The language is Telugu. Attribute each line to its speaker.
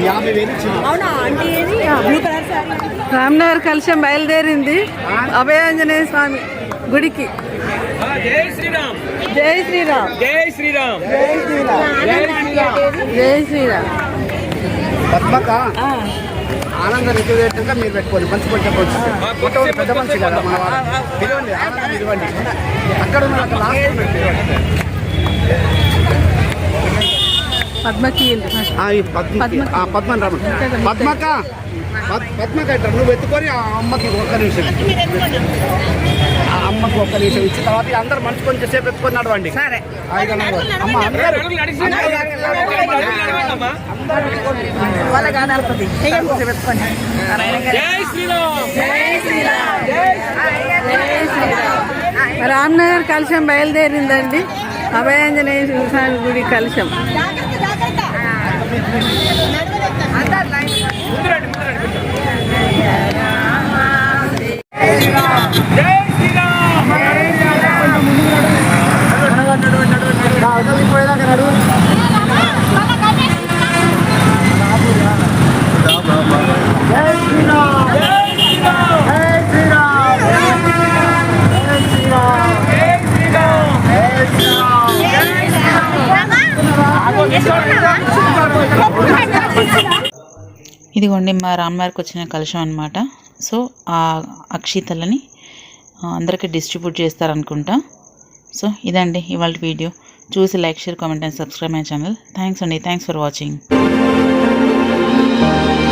Speaker 1: రామ్నగర్ కలశం బయలుదేరింది అభయాంజనేయ స్వామి గుడికి. జై శ్రీరామ్, జై శ్రీరామ్, జై శ్రీరామ్, జై శ్రీరామ్, జై శ్రీరామ్.
Speaker 2: పద్మక ఆనంద రిజర్వేషన్గా మీరు పెట్టుకోండి. మంచి కొంచెం పెద్ద మనిషి కదా మన పిలవండి, ఆనందం ఇవ్వండి. అక్కడ ఉన్న
Speaker 1: పద్మకి
Speaker 2: పద్మని రమ్మ. పద్మక పద్మక అంటారు. నువ్వు ఎత్తుకొని ఆ అమ్మకి ఒక్క నిమిషం, ఆ అమ్మకి ఒక్క నిమిషం ఇచ్చిన తర్వాత అందరు మంచి కొంచెం సేపు ఎత్తుకొని నడవండి. అమ్మ అందరూ
Speaker 1: రామ్నగర్ కలశం బయలుదేరిందండి. అభయాంజనేయ స్వామి గుడి కలశం.
Speaker 3: ఇదిగోండి మా రామ్నగర్కి వచ్చిన కలశం అనమాట. సో ఆ అక్షితలని అందరికీ డిస్ట్రిబ్యూట్ చేస్తారనుకుంటా. సో ఇదండి ఇవాళ వీడియో. చూసి like, share, comment and subscribe my channel. Thanks అండి. Thanks for watching.